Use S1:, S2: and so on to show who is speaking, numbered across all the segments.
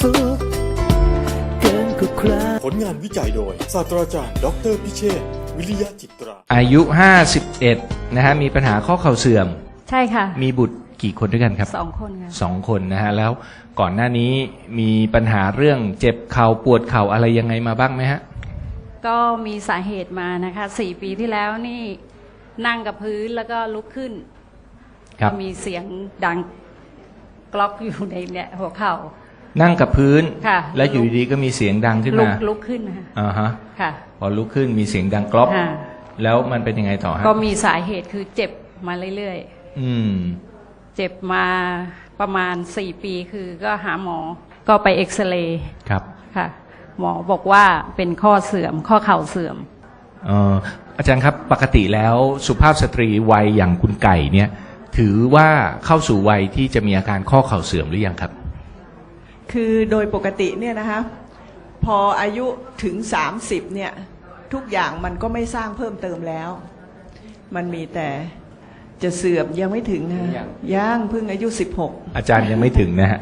S1: สุขเกินกว่าใคร
S2: ผลงานวิจัยโดยศาสตราจารย์ดออเตอร์พิเชษฐ์วิริยะจิตรา
S3: อายุ 51 นะฮะ มีปัญหาข้อเข่าเสื่อม
S4: ใช่ค่ะ
S3: มีบุตรกี่คนด้วยกันครับ
S4: 2 คนค่ะ
S3: 2 คนนะฮะ แล้วก่อนหน้านี้มีปัญหาเรื่องเจ็บเข่าปวดเข่าอะไรยังไงมาบ้างไหมฮะ
S4: ก็มีสาเหตุมานะคะ4 ปีที่แล้วนี่นั่งกับพื้นแล้วก็ลุกขึ้น
S3: ครับ
S4: ก็มีเสียงดังกล็อกอยู่ในเนี่ยหัวเข่า
S3: นั่งกับพื้น
S4: ค่ะ
S3: แล้วอยู่ดีๆก็มีเสียงดังขึ้นมา
S4: ลุกขึ้นนะคะ
S3: อ่าฮะ
S4: ค่ะ
S3: พอลุกขึ้นมีเสียงดังกรอบ
S4: ค่ะ
S3: แล้วมันเป็นยังไงต่อฮะ
S4: ก็มีสาเหตุคือเจ็บมาเรื่อย
S3: อืม
S4: ๆ เจ็บมาประมาณ4 ปีคือก็หาหมอก็ไปเอ็กซเรย์
S3: ครับ
S4: ค่ะ หมอบอกว่าเป็นข้อเสื่อมข้อเข่าเสื่อม
S3: อาจารย์ครับปกติแล้วสุภาพสตรีวัยอย่างคุณไก่เนี่ย ถือว่าเข้าสู่วัยที่จะมีอาการข้อเข่าเสื่อมหรือยังครับ
S5: คือโดยปกติเนี่ยนะคะพออายุถึง30เนี่ยทุกอย่างมันก็ไม่สร้างเพิ่มเติมแล้ว มันมีแต่จะเสื่อมยังไม่ถึงนะ ยังเพิ่งอายุ16
S3: อาจารย์ยังไม่ถึงนะฮะ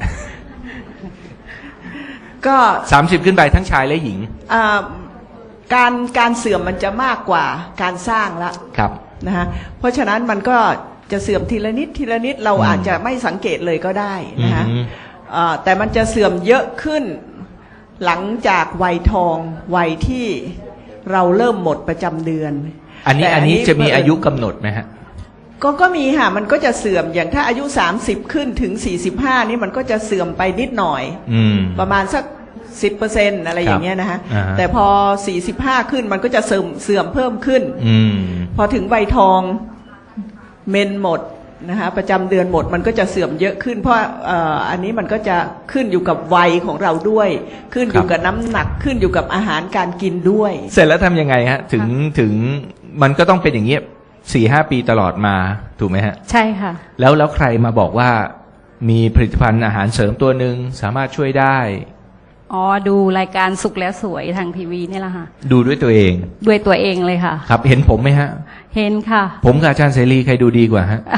S5: ก็
S3: 30 ขึ้นไปทั้งชายและหญิง
S5: อ่าการเสื่อมมันจะมากกว่าการสร้างละ
S3: ครับ
S5: นะคะเพราะฉะนั้นมันก็จะเสื่อมทีละนิดทีละนิดเราอาจจะไม่สังเกตเลยก็ได้นะคะ
S3: อืม
S5: แต่มันจะเสื่อมเยอะขึ้นหลังจากวัยทองวัยที่เราเริ่มหมดประจำเดือน
S3: อันนี้
S5: แต่
S3: อันนี้จะมีอายุกำหนดไหมฮะ
S5: ก็มีค่ะมันก็จะเสื่อมอย่างถ้าอายุ30ขึ้นถึง45นี่มันก็จะเสื่อมไปนิดหน่อย
S3: อืม
S5: ประมาณสัก10%อะไรอย่างเงี้ยนะคะ
S3: อ่าฮะ
S5: แต่พอ45ขึ้นมันก็จะเสื่อมเพิ่มขึ้น
S3: อืม
S5: พอถึงวัยทองเมนหมดนะคะประจำเดือนหมดมันก็จะเสื่อมเยอะขึ้น เพราะอันนี้มันก็จะขึ้นอยู่กับวัยของเราด้วย ขึ้นอยู่กับน้ำหนักขึ้นอยู่กับอาหารการกินด้วย
S3: เสร็จแล้วทำยังไงฮะ ถึงมันก็ต้องเป็นอย่างเงี้ย4-5 ปีตลอดมาถูกไหมฮะ
S4: ใช่ค่ะ
S3: แล้วใครมาบอกว่ามีผลิตภัณฑ์อาหารเสริมตัวหนึ่งสามารถช่วยได้
S4: อ๋อดูรายการสุขแล้วสวยทางทีวีนี่แหละค่ะ
S3: ดูด้วยตัวเอง
S4: ด้วยตัวเองเลยค่ะ
S3: ครับ เห็นผมไหมฮะ
S4: เห็นค่ะ
S3: ผมกับอาจารย์เสรีใครดูดีกว่าฮะ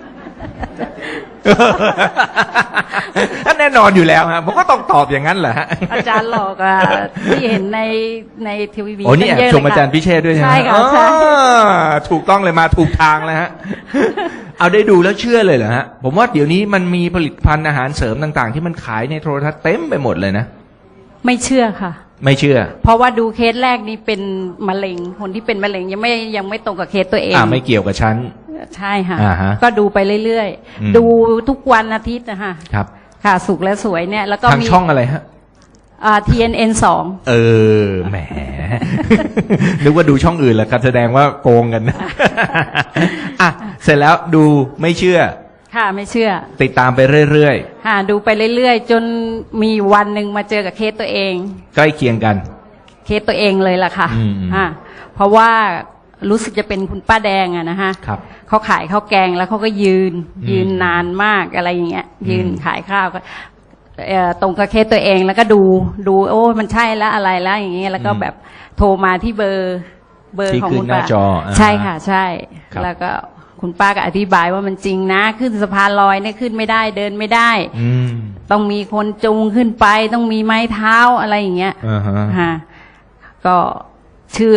S3: แน่นอนอยู่แล้วฮะผมก็ต้องตอบอย่างนั้นแหละฮะ
S4: อาจารย์หลอกอ่ะที่เห็นในทีวี
S3: โอ้นี่แอบ
S4: เยะ
S3: ชมอาจารย์พิเชษฐ์ด้วยใช่ไหม
S4: ใช่ค่ะใช่
S3: อ๋อถูกต้องเลยมาถูกทางแล้วฮะ เอาได้ดูแล้วเชื่อเลยเหรอฮะ ผมว่าเดี๋ยวนี้มันมีผลิตภัณฑ์อาหารเสริมต่างๆ ที่มันขายในโทรทัศน์เต็มไปหมดเลยนะ
S4: ไม่เชื่อค่ะ
S3: ไม่เชื่อ
S4: เพราะว่าดูเคสแรกนี่เป็นมะเร็งคนที่เป็นมะเร็งยังไม่ตรงกับเคสตัวเอง
S3: ไม่เกี่ยวกับฉัน
S4: ใช่ค่ะ
S3: อ่าฮะ
S4: ก็ดูไปเรื่อย
S3: อืม
S4: ๆ ดูทุกวันอาทิตย์นะคะ
S3: ครับ
S4: ค่ะสุขและสวยเนี่ยแล้วก็
S3: ทาง
S4: มี
S3: ช่องอะไรฮะ
S4: TNN 2
S3: แหม นึกว่าดูช่องอื่นแล้วครับแสดงว่าโกงกันนะ อ่ะ เสร็จแล้วดูไม่เชื่อ
S4: ค่ะไม่เชื่อ
S3: ติดตามไปเรื่อย
S4: ค่ะดูไปเรื่อยๆ จนมีวันหนึ่งมาเจอกับเคสตัวเอง
S3: ๆ ใกล้เคียงกัน
S4: เคสตัวเองเลยล่ะค่ะ
S3: อืม
S4: เพราะว่ารู้สึกจะเป็นคุณป้าแดงอะนะคะ
S3: ครับ
S4: เขาขายข้าวแกงแล้วเขาก็ยืนนานมากอะไรอย่างเงี้ย ยืนขายข้าวก็ตรงกับเคสตัวเองแล้วก็ดูโอ้มันใช่แล้วอะไรแล้วอย่างเงี้ยแล้วก็แบบโทรมาที่เบอร์
S3: ที่
S4: ของ
S3: ขึ้
S4: คุ
S3: น
S4: ณ
S3: หน้า
S4: ป้า
S3: จอ
S4: ใช่ค่ะใช่
S3: ครับ
S4: แล้วก็คุณป้าก็อธิบายว่ามันจริงนะขึ้นสะพานลอยเนี่ยขึ้นไม่ได้เดินไม่ได้
S3: อืม
S4: ต้องมีคนจูงขึ้นไปต้องมีไม้เท้าอะไรอย่างเงี้ย
S3: อ่าฮะ
S4: ค่ะก็เชื่อ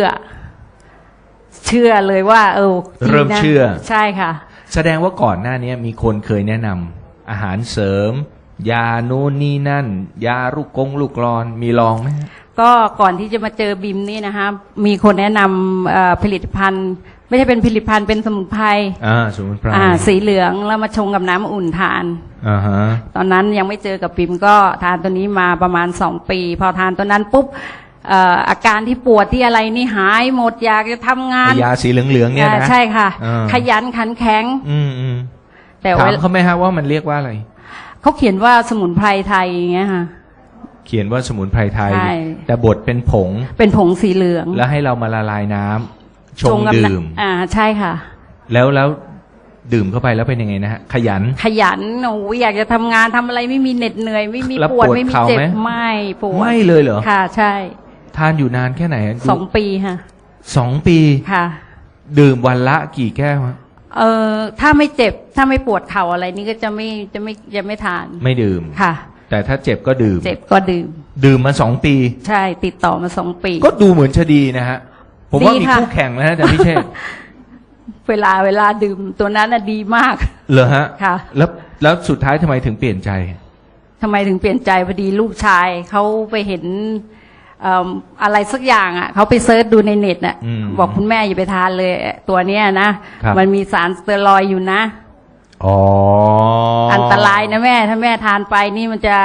S4: เลยว่าจงนะ
S3: เริ่มเชื่อ
S4: ใช่ค่ะ
S3: แสดงว่าก่อนหน้านี้มีคนเคยแนะนำอาหารเสริม ยาโน่นนี่นั่น ยาลูกกรอนมีลองไหมฮะ
S4: ก็ก่อนที่จะมาเจอบิมนี่นะคะมีคนแนะนำผลิตภัณฑ์ ไม่ใช่เป็นผลิตภัณฑ์เป็นสมุนไพร
S3: สมุนไพร
S4: สีเหลืองแล้วมาชงกับน้ำอุ่นทาน
S3: อ่าฮะ
S4: ตอนนั้นยังไม่เจอกับบิมก็ทานตัวนี้มาประมาณ2 ปี พอทานตัวนั้นปุ๊บอาการที่ปวดที่อะไรนี่หายหมดอยากจะทำงาน
S3: ยาสีเหลืองๆเนี่ยนะ
S4: ใช่ค่ะ
S3: อ่า
S4: ขยันขันแข็ง
S3: อืม
S4: แต่
S3: ถาม
S4: ว่า
S3: เขาไหมฮะว่ามันเรียกว่าอะไร
S4: เขาเขียนว่าสมุนไพรไทยอย่างเงี้ยค่ะ
S3: เขียนว่าสมุนไพรไทย
S4: ใช่
S3: แต่บดเป็นผง
S4: เป็นผงสีเหลือง
S3: แล้วให้เรามาละลายน้ำชง
S4: กับ
S3: ดื่ม
S4: ใช่ค่ะ
S3: แล้วดื่มเข้าไปแล้วเป็นยังไงนะฮะ ขยัน
S4: ขยันโอ้ยอยากจะทำงานทำอะไรไม่มีเหน็ดเหนื่อยไม่มี
S3: แล้ว
S4: ปวด
S3: ปวด
S4: ไม่มี
S3: เข่า
S4: เจ็บ
S3: ไหม
S4: ไม่ปวด
S3: ไม่เลยเหรอ
S4: ค่ะ ใช่
S3: ทานอยู่นานแค่ไหนฮะ
S4: 2 ปีค่ะ
S3: 2 ปี
S4: ค่ะ
S3: ดื่มวันละกี่แก้วฮะ
S4: ถ้าไม่เจ็บถ้าไม่ปวดเข่าอะไรนี่ก็จะไม่ทาน
S3: ไม่ดื่ม
S4: ค่ะ
S3: แต่ถ้าเจ็บก็ดื่ม
S4: เจ็บก็ดื่ม
S3: ดื่มมา2 ปี
S4: ใช่ติดต่อมา2 ปี
S3: ก็ดูเหมือนจะดีนะฮะ ผมว่า
S4: ดี
S3: มี
S4: ค่ะ
S3: คู่แข่งแล้วนะแต่พี่เชษฐ์
S4: เวลาดื่มตัวนั้นน่ะดีมาก
S3: เหรอฮะ
S4: ค่ะ
S3: แล้วสุดท้ายทำไมถึงเปลี่ยนใจ
S4: ทำไมถึงเปลี่ยนใจพอดีลูกชายเขาไปเห็นอะไรสักอย่างอ่ะเขาไปเซิร์ชดูในเน็ตน่ะ
S3: อืม
S4: บอกคุณแม่อย่าไปทานเลยตัวเนี้ยนะครับ มันมีสารสเตียรอยด์อยู่นะ
S3: อ๋ออั
S4: อันตรายนะแม่ ถ้าแม่ทานไปนี่มันจะ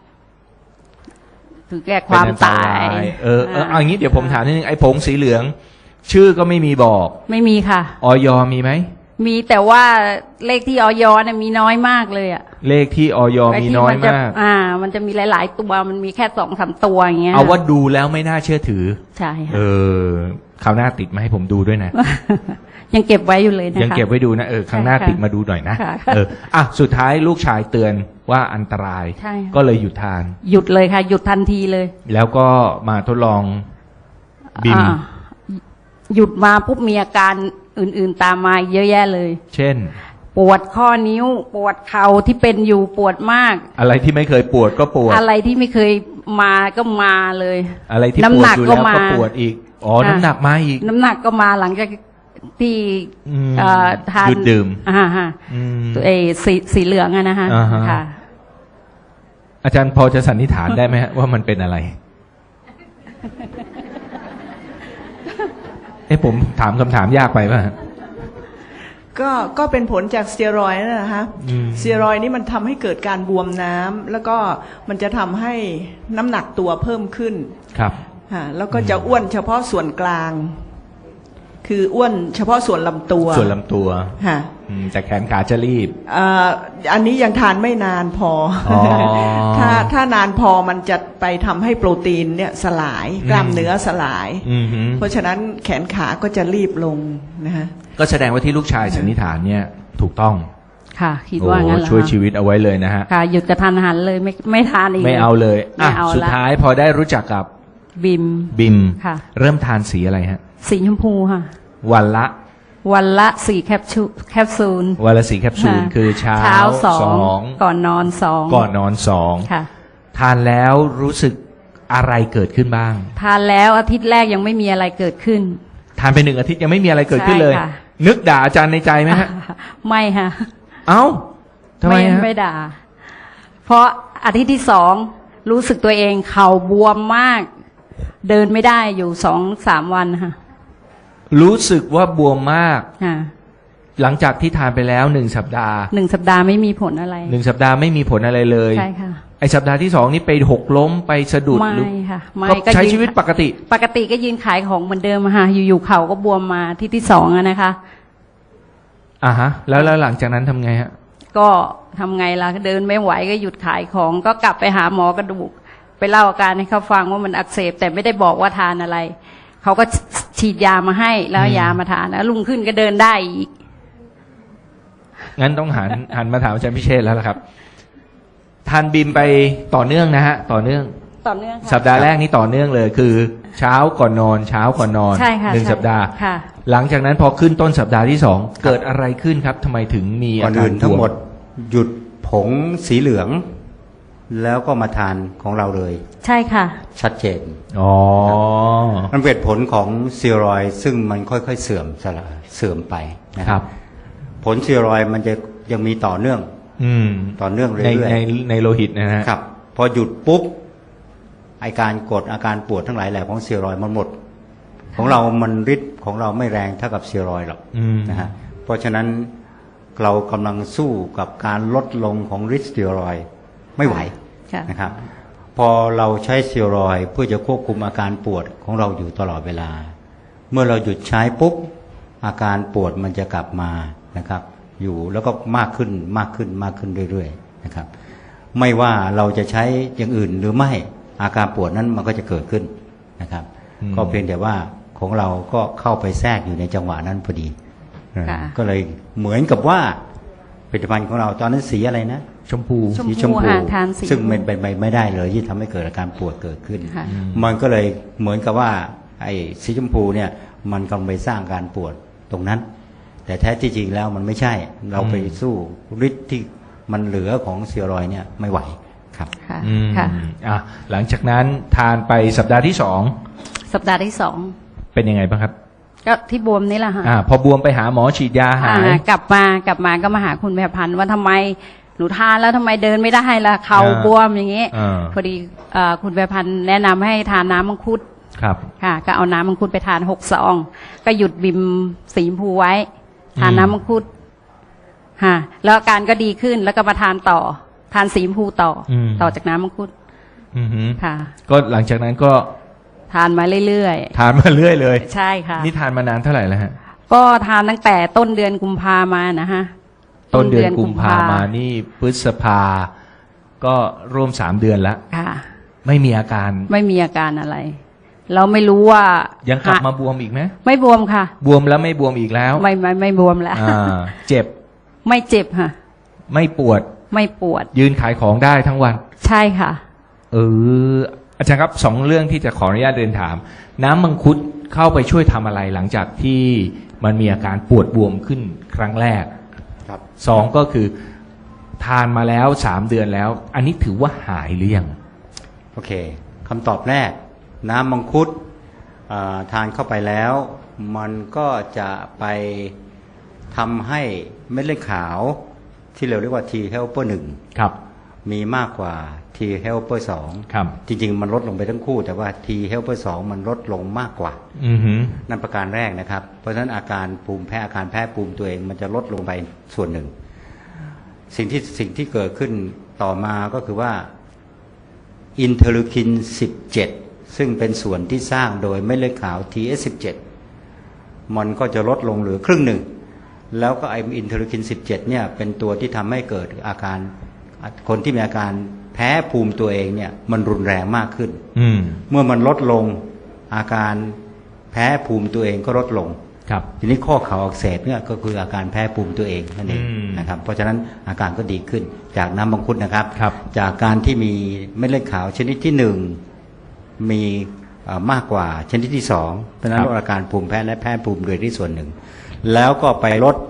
S4: ถึงแก่ความตาย
S3: เอาอย่างนี้เดี๋ยวผมถามนิดนึงไอ้ผงสีเหลือง ชื่อก็ไม่มีบอก
S4: ไม่มีค่ะ
S3: ออยมีไหม
S4: มีแต่ว่าเลขที่ออยเนี่ยมีน้อยมากเลยอ่ะ
S3: เลขที่ออยมีน้อยมาก
S4: มันจะมีหลาย ๆ ตัวมันมีแค่2-3 ตัวอย่างเงี้ย
S3: เอาว่าดูแล้วไม่น่าเชื่อถือ
S4: ใช่ค่ะ
S3: คราวหน้าติดมาให้ผมดูด้วยนะ
S4: ยังเก็บไว้อยู่เลยนะคะ
S3: ยังเก็บไว้ดูนะครั้งหน้า
S4: ค่ะ
S3: ติดมาดูหน่อยนะ
S4: ค่ะ
S3: สุดท้ายลูกชายเตือนว่าอันตราย
S4: ใช่ค่ะ
S3: ก็เลยหยุดทาน
S4: หยุดเลยค่ะ หยุดทันทีเลย
S3: แล้วก็มาทดลองบิม
S4: หยุดมาปุ๊บมีอาการอื่น ๆ ตามมาเยอะแยะเลย
S3: เช่น
S4: ปวดข้อนิ้ว ปวดเข่าที่เป็นอยู่ปวดมาก
S3: อะไรที่ไม่เคยปวดก็ปวด
S4: อะไรที่ไม่เคยมาก็มาเลย
S3: อะไรที่ป
S4: น้ำ
S3: ว
S4: ห
S3: ด
S4: นัก
S3: อยู่
S4: ก็
S3: แล้ว
S4: มา
S3: ก็ปวดอีกน้ำหนักมาอีก
S4: น้ำหนักก็มาหลังจากที่
S3: อืม
S4: ทาน
S3: หยุดดื่ม
S4: ฮะ
S3: อืม
S4: ตัวสีเหลืองอะนะฮะ
S3: อ่าฮะ
S4: ค่ะ
S3: อาจารย์พอจะสันนิษฐานได้ไหมฮะว่ามันเป็นอะไร ผมถามคำถามยากไปป่ะฮะ
S5: ก็เป็นผลจากสเตียรอยด์นั่นแหละฮะ
S3: อืม
S5: สเตียรอยด์นี่มันทำให้เกิดการบวมน้ำแล้วก็มันจะทำให้น้ำหนักตัวเพิ่มขึ้น
S3: ครับ
S5: แล้วก็จะอ้วนเฉพาะส่วนกลาง คืออ้วนเฉพาะส่วนลำตัว
S3: ส่วนลำตัว
S5: ค่ะ
S3: แต่แขนขาจะรีบ
S5: อันนี้ยังทานไม่นานพออ
S3: อ
S5: ถ้านานพอมันจะไปทำให้โปรตีนเนี่ยสลายกล้ามเนื้อสลาย
S3: อือหือ
S5: เพราะฉะนั้นแขนขาก็จะรีบลงนะฮะ
S3: ก็แสดงว่าที่ลูกชายสันนิษฐานเนี่ยถูกต้อง
S4: ค่ะ คิดว่างั้นแหละ
S3: ช่วยชีวิตเอาไว้เลยนะฮะ
S4: ค่ะ หยุดกระทันหันเลยไม่ทานอีก
S3: ไม่เอาเลย
S4: ไม่เอาละ
S3: สุดท้ายพอได้รู้จักกับ
S4: บิม
S3: บิม
S4: ค่ะ
S3: เริ่มทานสีอะไรฮะ
S4: สีชมพูค่ะ
S3: วันละ
S4: วันละ4 แคปซูล
S3: วันละ4 แคปซูล
S4: ค่ะ
S3: คือเช้า
S4: สอง
S3: สอง
S4: ก่อนนอน2
S3: ก่อนนอน2
S4: ค่ะ
S3: ทานแล้วรู้สึกอะไรเกิดขึ้นบ้าง
S4: ทานแล้วอาทิตย์แรกยังไม่มีอะไรเกิดขึ้น
S3: ทานไป1 อาทิตย์ยังไม่มีอะไรเกิดขึ้นเลย
S4: ใช่ค่ะ
S3: นึกด่าอาจารย์ในใจไหมฮะ
S4: ไม่ค่ะ
S3: เอ้าทำไมฮะ
S4: ไม่ด่า เพราะอาทิตย์ที่2รู้สึกตัวเองเข่าบวมมาก เดินไม่ได้อยู่2-3 วันค่ะ
S3: รู้สึกว่าบวมมาก
S4: ค่ะ
S3: หลังจากที่ทานไปแล้ว1 สัปดาห์
S4: 1 สัปดาห์ไม่มีผลอะไร
S3: 1 สัปดาห์ไม่มีผลอะไรเลย
S4: ใช่ค่ะ
S3: ไอสัปดาห์ที่2นี่ไปหกล้มไปสะดุด
S4: ไม่
S3: หรือ
S4: ค่ะ ไม่
S3: ก็ใช้ชีวิตปกติ
S4: ปกติก็ยืนขายของเหมือนเดิมอะค่ะ อยู่ๆเข่าก็บวมมาที่ที่2อะนะคะ
S3: แล้วหลังจากนั้นทำไงฮะ
S4: ก็ทำไงล่ะเดินไม่ไหวก็หยุดขายของ ก็กลับไปหาหมอกระดูก ไปเล่าอาการให้เขาฟังว่ามันอักเสบแต่ไม่ได้บอกว่าทานอะไร เขาก็ฉีดยามาให้แล้วยามาทานแล้วลุงขึ้นก็เดินได้อีก
S3: งั้นต้องหันมาถามอาจารย์พิเชษแล้วล่ะครับ ทานบิมไปต่อเนื่องนะฮะ ต่อเนื่อง
S4: ต่อเนื่องค่ะ
S3: สัปดาห์แรกนี่ต่อเนื่องเลย คือ เช้าก่อนนอนเช้าก่อนนอน
S4: ใช่ค่ะ
S3: 1
S4: ใช่
S3: สัปดาห์
S4: ค่ะ
S3: หลังจากนั้นพอขึ้นต้นสัปดาห์ที่2เกิดอะไรขึ้นครับทำไมถึงมี
S6: ก่
S3: อา
S6: อน
S3: การ
S6: อื่นทั้งหมด
S3: บว
S6: หยุดผงสีเหลือง แล้วก็มาทานของเราเลย
S4: ใช่ค่ะ
S6: ชัดเจน
S3: อ๋อ
S6: มันเป็นผลของสเตียรอยด์ซึ่งมันค่อยๆเสื่อมไปนะค
S3: ครั
S6: รับ บ ผลสเตียรอยด์มันจะยังมีต่อเนื่อง
S3: อืม
S6: ต่อเนื่องเรื่
S3: ใน
S6: อย
S3: ในโลหิตนะฮะ
S6: ๆครับ พอหยุดปุ๊บอาการกดอาการปวดทั้งหลายแหล่ของสเตียรอยด์มันหมด ของเรามันฤทธิ์ของเราไม่แรงเท่ากับสเตียรอยด์หรอก
S3: อืม
S6: นะฮะเพราะฉะนั้นเรากำลังสู้กับการลดลงของฤทธิ์สเตียรอยด์ไม่ไหว
S4: ค่ะ
S6: นะครับพอเราใช้สเตียรอยด์เพื่อจะควบคุมอาการปวดของเราอยู่ตลอดเวลา เมื่อเราหยุดใช้ปุ๊บอาการปวดมันจะกลับมานะครับ อยู่แล้วก็มากขึ้นมากขึ้นมากขึ้นเรื่อยๆนะครับไม่ว่าเราจะใช้อย่างอื่นหรือไม่อาการปวดนั้นมันก็จะเกิดขึ้นนะครับ
S3: อืม
S6: ก็เพียงแต่ว่าของเราก็เข้าไปแทรกอยู่ในจังหวะนั้นพอดี
S4: ค่ะ
S6: ก็เลยเหมือนกับว่าผลิตภัณฑ์ของเราตอนนั้นสีอะไรนะ
S3: ชมพู
S4: ชม
S6: สี
S4: พูค่ะทานสี
S6: ซึ่งมันเป็นไปไม่ได้เลยที่ทำให้เกิดอาการปวดเกิดขึ้น
S4: ค่ะ
S6: มันก็เลยเหมือนกับว่าไอ้สีชมพูเนี่ยมันกำลังไปสร้างการปวดตรงนั้น แต่แท้ที่จริงแล้วมันไม่ใช่ เราไปสู้ฤทธิ์ที่มันเหลือของสเตียรอยด์เนี่ยไม่ไหวครับครับ
S4: ค่ะ
S3: อืม
S4: ค่ะ
S3: อ่ะหลังจากนั้นทานไปสัปดาห์ที่
S4: สัปดาห์ที่สอง
S3: 2เป็นยังไงบ้างครับ
S4: ก็ที่บวมนี่แหละค่ะ
S3: พอบวมไปหาหมอฉีดยาหาย
S4: กลับมาก็มาหาคุณแม่พันธุ์ว่าทำไมหนูทานแล้วทำไมเดินไม่ได้ล่ะเข่าบวมอย่างนี้ พอดีคุณแม่พันธุ์แนะนำให้ทานน้ำมังคุด
S3: ครับ
S4: ค่ะก็เอาน้ำมังคุดไปทาน6 ซองก็หยุดบิมสีชมพูไว้ ทานน้ำมังคุดค่ะแล้วอาการก็ดีขึ้นแล้วก็มาทานต่อ ทานสีชมพูต่ออ
S3: ม
S4: ต่อจากน้ำมังคุด
S3: อือหือ
S4: ค่ะ
S3: ก็หลังจากนั้นก็
S4: ทานมาเรื่อย
S3: ทานมาเรื่อยเลย
S4: ๆใช่ค่ะ
S3: นี่ทานมานานเท่าไหร่แล้วฮะ
S4: ก็ทานตั้งแต่ต้นเดือนกุมภามานะฮะ
S3: ต้นเดือนกุมภามานี่พฤษภาก็ร่วม3 เดือนแล้ว
S4: ค่ะ
S3: ไม่มีอาการ
S4: ไม่มีอาการอะไร เราไม่รู้ว่า
S3: ยั
S4: ยัง
S3: กลับมาบวมอีกไหม
S4: ไม่บวมค่ะ
S3: บวมแล้วไม่บวมอีกแล้ว
S4: ไม่บวมแล้ว
S3: เจ็บ
S4: ไม่เจ็บค่ะ
S3: ไม่ปวด
S4: ไม่ปวด
S3: ยืนขายของได้ทั้งวัน
S4: ใช่ค่ะ
S3: อาจารย์ครับ2 เรื่องที่จะขออนุญาตเรียนถาม น้ำมังคุดเข้าไปช่วยทำอะไรหลังจากที่มันมีอาการปวดบวมขึ้นครั้งแรก
S6: ครับ
S3: 2ก็คือทานมาแล้ว3 เดือนแล้ว อันนี้ถือว่าหายหรือยัง
S6: โอเคคำตอบแรก น้ำมังคุดทานเข้าไปแล้ว มันก็จะไปทำให้เม็ดเลือดขาวที่เราเรียกว่า T helper
S3: ครับ
S6: 1 มีมากกว่า T helper 2
S3: ครับ
S6: จริงๆ มันลดลงไปทั้งคู่ แต่ว่า T helper 2 มันลดลงมากกว่า
S3: อือหือ
S6: นั่นประการแรกนะครับ เพราะฉะนั้นอาการภูมิแพ้อาการแพ้ภูมิตัวเองมันจะลดลงไปส่วนหนึ่ง สิ่งที่เกิดขึ้นต่อมาก็คือว่าอินเทอร์ลูคิน 17 ซึ่งเป็นส่วนที่สร้างโดยเม็ดเลือดขาว TS17 มันก็จะลดลงเหลือครึ่งหนึ่ง แล้วก็ไออินเทอร์ลูคิน 17 เนี่ยเป็นตัวที่ทำให้เกิดอาการคนที่มีอาการแพ้ภูมิตัวเองเนี่ยมันรุนแรงมากขึ้น
S3: อืม
S6: เมื่อมันลดลงอาการแพ้ภูมิตัวเองก็ลดลง
S3: ครับ
S6: ทีนี้ข้อเข่าอักเสบเนี่ยก็คืออาการแพ้ภูมิตัวเองนั่นเอง
S3: อืม
S6: นะครับเพราะฉะนั้นอาการก็ดีขึ้นจากน้ำมังคุดนะครับ
S3: ครับ
S6: จากการที่มีเม็ดเลือดขาวชนิดที่หนึ่งมีมากกว่าชนิดที่สองเพราะฉะนั้นลดอาการภูมิแพ้และแพ้ภูมิโดยที่ส่วนหนึ่ง แล้วก็ไปลด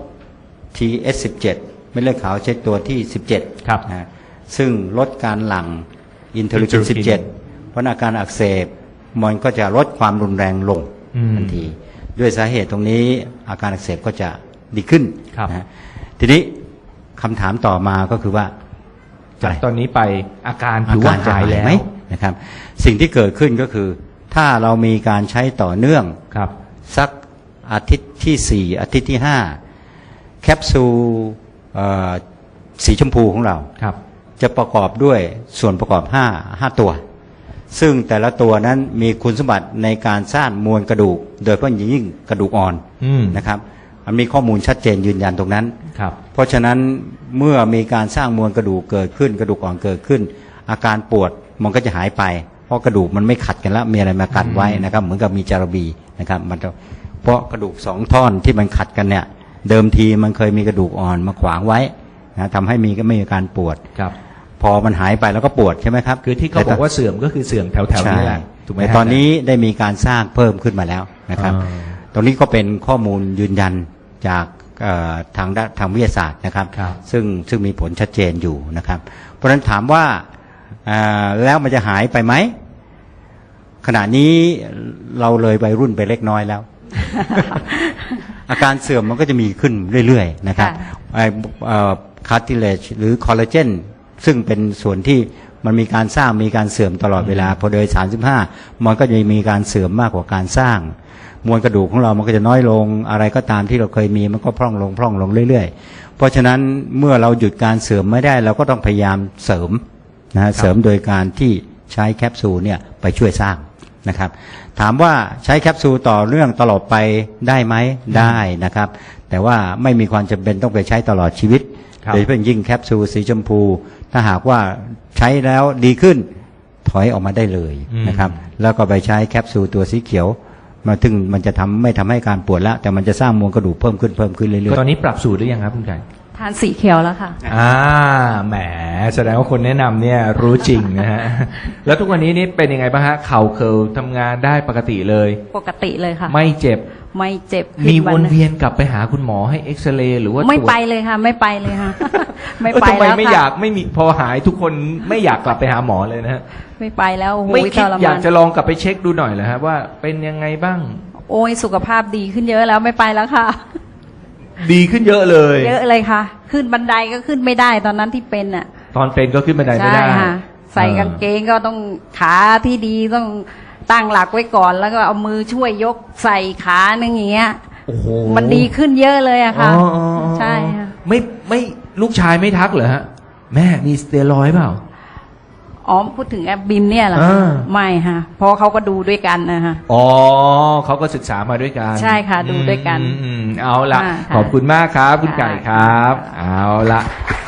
S6: TS17 เม็ดเลือดขาวชนิดตัวที่ 17
S3: ครับ
S6: นะซึ่งลดการหลั่งอินเทอร์ลูคิน 17 เพราะอาการอักเสบมันก็จะลดความรุนแรงลง
S3: อืม
S6: ทันที ด้วยสาเหตุตรงนี้อาการอักเสบก็จะดีขึ้น
S3: ครับ
S6: นะทีนี้คำถามต่อมาก็คือว่า
S3: จากตอนนี้ไปอาการ
S6: อา
S3: ถือว่า
S6: การจะ
S3: หาย
S6: หาย
S3: แล้ว
S6: ไหมนะครับ สิ่งที่เกิดขึ้นก็คือ ถ้าเรามีการใช้ต่อเนื่อง
S3: ครับ
S6: สักอาทิตย์ที่ 4 อาทิตย์ที่ 5 แคปซูลสีชมพูของเรา
S3: ครับ
S6: จะประกอบด้วยส่วนประกอบ5ตัว ซึ่งแต่ละตัวนั้นมีคุณสมบัติในการสร้างมวลกระดูก โดยเฉพาะอย่างยิ่งกระดูกอ่อน
S3: อืม
S6: นะครับมันมีข้อมูลชัดเจนยืนยันตรงนั้น
S3: ครับ
S6: เพราะฉะนั้นเมื่อมีการสร้างมวลกระดูกเกิดขึ้น กระดูกอ่อนเกิดขึ้น อาการปวดมันก็จะหายไป เพราะกระดูกมันไม่ขัดกันแล้วมีอะไรมากันไว้นะครับ เหมือนกับมีจารบีนะครับมันจะเพราะกระดูก2 ท่อนที่มันขัดกันเนี่ยเดิมทีมันเคยมีกระดูกอ่อนมาขวางไว้นะทำให้ไม่มีการปวด
S3: ครับ
S6: พอมันหายไปแล้วก็ปวดใช่ไหมครับ
S3: คือที่เขาบอกว่าเสื่อมก็คือเสื่อมแถวๆ
S6: ใช่
S3: นี้แหละถูกไหม
S6: แต่
S3: ฮะ
S6: ตอนนี้ได้มีการสร้างเพิ่มขึ้นมาแล้วนะครับ
S3: อ่า
S6: ตรงนี้ก็เป็นข้อมูลยืนยันจากทางวิทยาศาสตร์นะครับ
S3: ครับ
S6: ซึ่งมีผลชัดเจนอยู่นะครับ เพราะฉะนั้นถามว่าแล้วมันจะหายไปไหม ขณะนี้เราเลยวัยรุ่นไปเล็กน้อยแล้ว อาการเสื่อมมันก็จะมีขึ้นเรื่อยๆนะครับ คาร์ติเลจหรือคอลลาเจนซึ่งเป็นส่วนที่มันมีการสร้างมีการเสื่อมตลอดเวลาพอโดย35มันก็จะมีการเสื่อมมากกว่าการสร้าง มวลกระดูกของเรามันก็จะน้อยลงอะไรก็ตามที่เราเคยมีมันก็พร่องลงเรื่อยๆเพราะฉะนั้นเมื่อเราหยุดการเสื่อมไม่ได้เราก็ต้องพยายามเสริมนะเสริมโดยการที่ใช้แคปซูลเนี่ยไปช่วยสร้างนะครับถามว่าใช้แคปซูลต่อเนื่องตลอดไปได้ไหมได้นะครับแต่ว่าไม่มีความจำเป็นต้องไปใช้ตลอดชีวิต
S3: ครับ
S6: โดยเฉพาะยิ่งแคปซูลสีชมพู ถ้าหากว่าใช้แล้วดีขึ้นถอยออกมาได้เลยนะครับแล้วก็ไปใช้แคปซูลตัวสีเขียวมาถึงมันจะไม่ทำให้การปวดแล้วแต่มันจะสร้างมวลกระดูกเพิ่มขึ้นเรื่อย
S3: ตอนนี้ปรับสูตรหรือยังครับคุณไก่
S4: ททานสีเขียวแล้วค่ะ
S3: แหมแสดงว่าคนแนะนำเนี่ยรู้จริงนะฮะ แล้วทุกวันนี้นี่เป็นยังไงบ้างฮะเข่าเคิลทำงานได้ปกติเลย
S4: ปกติเลยค่ะ
S3: ไม่เจ็บ
S4: ไม่เจ็บ
S3: มีวนเวียนกลับไปหาคุณหมอให้เอ็กซเรย์หรือว่า
S4: ไม่
S3: ตรวจ
S4: ไปเลยค่ะ ไม่ไปเลยค่ะ ไม่
S3: เออ
S4: ไป
S3: ทำไม
S4: แล้ว
S3: ไม่
S4: ค่ะ
S3: อยากไม่มีพอหายทุกคนไม่อยากกลับไปหาหมอเลยนะฮะ
S4: ไม่ไปแล้วโอ้โห
S3: ไม่คิด
S4: ทร
S3: อยากจะลองกลับไปเช็คดูหน่อยเหรอฮะว่าเป็นยังไงบ้าง
S4: โอ้ยสุขภาพดีขึ้นเยอะแล้วไม่ไปแล้วค่ะ
S3: ดีขึ้นเยอะเลย
S4: เยอะเลยค่ะ ขึ้นบันไดก็ขึ้นไม่ได้ตอนนั้นที่เป็นอ่ะ
S3: ตอนเป็นก็ขึ้นบันไดไม่
S4: ใช่
S3: ได้
S4: ค่ะ ใส่กางเกงก็ต้องขาที่ดีต้องตั้งหลักไว้ก่อน แล้วก็เอามือช่วยยกใส่ขาหนึงอย่างเงี้ย
S3: โอ้โห
S4: มันดีขึ้นเยอะเลยอะค่ะ
S3: อ๋ออ๋ออ๋อ
S4: ใช่ค่ะ
S3: ไม่ลูกชายไม่ทักเหรอฮะแม่มีสเตียรอยด์เปล่า
S4: อ๋อพูดถึงแอปบิมเนี่ยเหรอคะ
S3: อ่า
S4: ไม่ค่ะเพราะเขาก็ดูด้วยกันนะคะ
S3: อ๋อเขาก็ศึกษามาด้วยกัน
S4: ใช่ค่ะดูด้วยกัน
S3: เอาละ
S4: ค่ะ
S3: ขอบคุณมากครับ คุณไก่ครับ
S4: ค่ะ
S3: เอาละ